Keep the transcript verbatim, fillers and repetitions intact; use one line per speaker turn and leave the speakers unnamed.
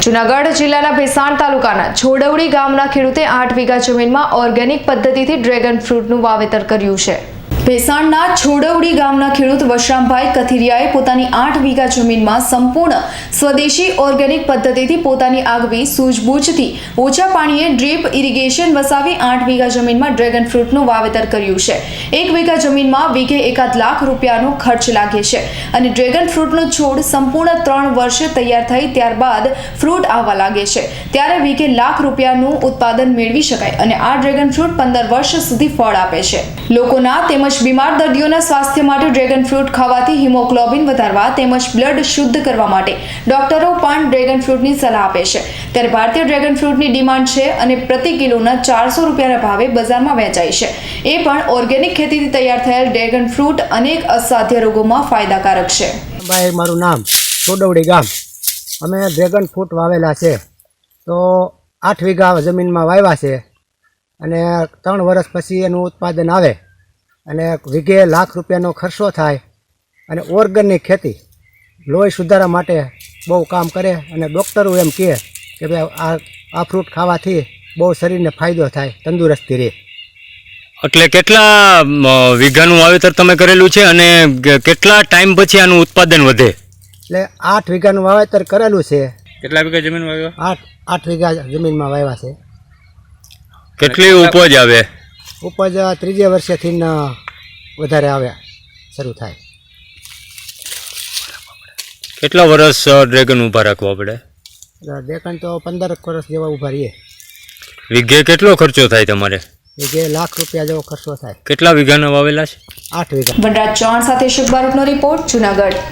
જૂનાગઢ જિલ્લાના ભેસાણ તાલુકાના છોડવડી ગામના ખેડૂતે આઠ વીઘા જમીનમાં ઓર્ગેનિક પદ્ધતિથી ડ્રેગન ફ્રૂટનું વાવેતર કર્યું છે। ભેસાણના છોડવડી ગામના ખેડૂત વશરામભાઈ કથિરિયાએ પોતાની આઠ વીઘા જમીનમાં સંપૂર્ણ સ્વદેશી ઓર્ગેનિક પદ્ધતિથી પોતાની આગવી સૂઝબૂછથી ઓછા પાણીએ ડ્રીપ ઇરિગેશન વસાવી આઠ વીઘા જમીનમાં ડ્રેગન ફ્રૂટનું વાવેતર કર્યું છે। એક વીઘા જમીનમાં વીઘે એકાદ લાખ રૂપિયાનો ખર્ચ લાગે છે અને ડ્રેગન ફ્રૂટનો છોડ સંપૂર્ણ ત્રણ વર્ષે તૈયાર થઈ ત્યારબાદ ફ્રૂટ આવવા લાગે છે ત્યારે વીઘે લાખ રૂપિયાનું ઉત્પાદન મેળવી શકાય અને આ ડ્રેગન ફ્રૂટ પંદર વર્ષ સુધી ફળ આપે છે। લોકોના તેમજ બીમાર દર્દીઓના સ્વાસ્થ્ય માટે ડ્રેગન ફ્રૂટ ખાવાથી હિમોગ્લોબિન વધારવા તેમજ બ્લડ શુદ્ધ કરવા માટે ડોક્ટરો પણ ડ્રેગન ફ્રૂટની સલાહ આપે છે। ત્યારે ભારતીય ડ્રેગન ફ્રૂટની ડિમાન્ડ છે અને પ્રતિ કિલોના ચારસો રૂપિયાના ભાવે બજારમાં વેચાય છે। એ પણ ઓર્ગેનિક ખેતીથી તૈયાર થયેલ ડ્રેગન ફ્રૂટ અનેક અસાધ્ય રોગોમાં ફાયદાકારક છે।
ભાઈ મારું નામ છોડવડી ગામ અમે ડ્રેગન ફ્રૂટ વાવેલા છે તો આઠ વીઘા જમીનમાં વાવ્યા છે અને ત્રણ વર્ષ પછી એનું ઉત્પાદન આવે અને વીઘે લાખ રૂપિયાનો ખર્ચો થાય અને ઓર્ગેનિક ખેતી લોહી સુધારા માટે બહુ કામ કરે અને ડૉક્ટરો એમ કહે કે ભાઈ આ આ ફ્રૂટ ખાવાથી બહુ શરીરને ફાયદો થાય, તંદુરસ્તી રહે।
એટલે કેટલા વીઘાનું વાવેતર તમે કરેલું છે અને કેટલા ટાઈમ પછી આનું ઉત્પાદન વધે?
એટલે આઠ વીઘાનું વાવેતર કરેલું છે।
કેટલા વીઘા જમીન વાવ્યા?
આઠ આઠ વીઘા જમીનમાં વાવ્યા છે।
કેટલી ઉપજ આવે?
ઉપજ ત્રીજે વર્ષેથી વધારે આવ્યા શરૂ થાય।
કેટલા વર્ષ ડ્રેગન ઊભા રાખવા પડે?
ડ્રેગન તો પંદર વર્ષ જેવા ઊભા રહીએ।
વીઘે કેટલો ખર્ચો થાય તમારે?
વીઘે લાખ રૂપિયા જેવો ખર્ચો થાય।
કેટલા વીઘાના વાવેલા છે?
આઠ વીઘા।
વનરાજ ચૌહાણ સાથે શુભ બારોટનો રિપોર્ટ, જૂનાગઢ।